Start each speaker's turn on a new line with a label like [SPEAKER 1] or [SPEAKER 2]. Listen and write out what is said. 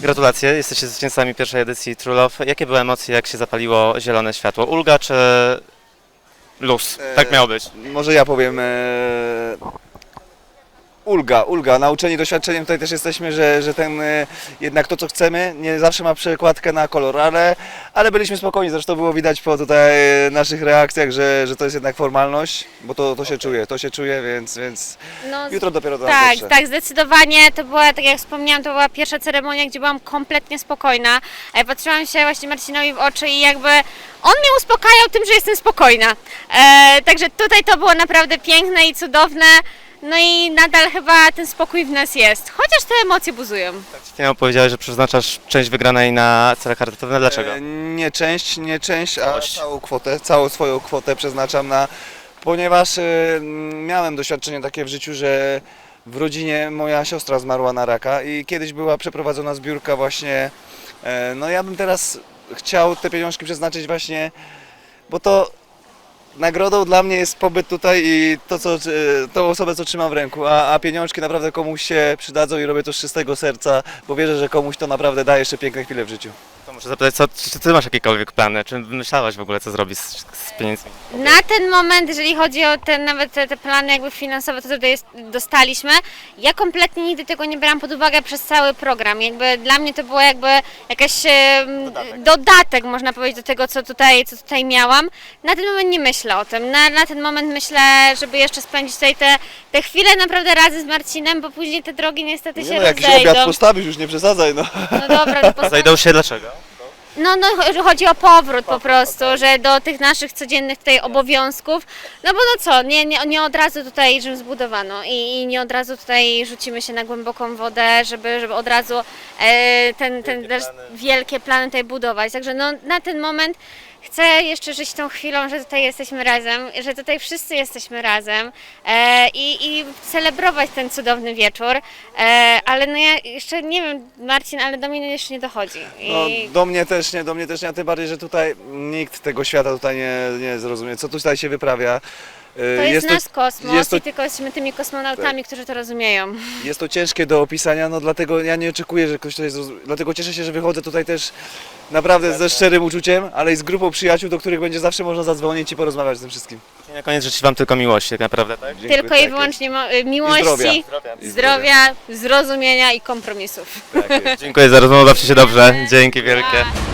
[SPEAKER 1] Gratulacje, jesteście zwycięzcami pierwszej edycji True Love. Jakie były emocje, jak się zapaliło zielone światło? Ulga czy luz? Tak miało być.
[SPEAKER 2] Może ja powiem. Ulga. Nauczeni doświadczeniem tutaj też jesteśmy, że jednak to co chcemy nie zawsze ma przekładkę na kolor, ale byliśmy spokojni, zresztą było widać po tutaj naszych reakcjach, że to jest jednak formalność, bo to się czuje, więc
[SPEAKER 3] No,
[SPEAKER 2] jutro dopiero to
[SPEAKER 3] tak,
[SPEAKER 2] dotrze.
[SPEAKER 3] tak, zdecydowanie. To była, tak jak wspomniałam, to była pierwsza ceremonia, gdzie byłam kompletnie spokojna. Patrzyłam się właśnie Marcinowi w oczy i jakby on mnie uspokajał tym, że jestem spokojna. Także tutaj to było naprawdę piękne i cudowne. No i nadal chyba ten spokój w nas jest, chociaż te emocje buzują.
[SPEAKER 1] Finał powiedziałeś, że przeznaczasz część wygranej na cele charytatywne. Dlaczego?
[SPEAKER 2] Nie część, a
[SPEAKER 1] Całość.
[SPEAKER 2] całą swoją kwotę przeznaczam ponieważ miałem doświadczenie takie w życiu, że w rodzinie moja siostra zmarła na raka i kiedyś była przeprowadzona zbiórka właśnie, no ja bym teraz chciał te pieniążki przeznaczyć właśnie, bo to nagrodą dla mnie jest pobyt tutaj i tą osobę, co trzymam w ręku, a pieniążki naprawdę komuś się przydadzą i robię to z czystego serca, bo wierzę, że komuś to naprawdę daje jeszcze piękne chwile w życiu.
[SPEAKER 1] To muszę zapytać, czy ty masz jakiekolwiek plany? Czy myślałaś w ogóle, co zrobić z pieniędzmi?
[SPEAKER 3] Na ten moment, jeżeli chodzi o nawet te plany jakby finansowe, to tutaj dostaliśmy, ja kompletnie nigdy tego nie brałam pod uwagę przez cały program. Jakby dla mnie to było jakby jakiś dodatek, można powiedzieć, do tego, co tutaj miałam. Na ten moment nie myślę o tym. Na ten moment myślę, żeby jeszcze spędzić tutaj te chwile naprawdę razem z Marcinem, bo później te drogi niestety się
[SPEAKER 2] Jakiś obiad
[SPEAKER 3] rozejdą.
[SPEAKER 2] postawisz, już nie przesadzaj, no.
[SPEAKER 3] No dobra, to
[SPEAKER 1] Zajdą się dlaczego?
[SPEAKER 3] No, chodzi o powrót po prostu, że do tych naszych codziennych tutaj obowiązków, no bo no co, nie od razu tutaj Rzym zbudowano i nie od razu tutaj rzucimy się na głęboką wodę, żeby od razu wielkie plany tutaj budować. Także no, na ten moment chcę jeszcze żyć tą chwilą, że tutaj jesteśmy razem, że tutaj wszyscy jesteśmy razem i celebrować ten cudowny wieczór, ale no ja jeszcze nie wiem, Marcin, ale do mnie jeszcze nie dochodzi.
[SPEAKER 2] No, do mnie też nie, a tym bardziej, że tutaj nikt tego świata tutaj nie zrozumie, co tutaj się wyprawia.
[SPEAKER 3] To jest nasz kosmos
[SPEAKER 2] jest to-
[SPEAKER 3] i tylko jesteśmy tymi kosmonautami, którzy to rozumieją.
[SPEAKER 2] Jest to ciężkie do opisania, no dlatego ja nie oczekuję, że ktoś tutaj zrozumie. Dlatego cieszę się, że wychodzę tutaj też naprawdę ze szczerym uczuciem, ale i z grupą przyjaciół, do których będzie zawsze można zadzwonić i porozmawiać z tym wszystkim.
[SPEAKER 1] I na koniec życzę wam tylko miłości, tak naprawdę, tak?
[SPEAKER 2] Dziękuję,
[SPEAKER 3] Tylko
[SPEAKER 2] tak
[SPEAKER 3] i wyłącznie miłości,
[SPEAKER 2] zdrowia.
[SPEAKER 3] zdrowia, zrozumienia i kompromisów.
[SPEAKER 2] jest. Tak jest.
[SPEAKER 1] Dziękuję za rozmowę, bawcie się dobrze. Dzięki wielkie.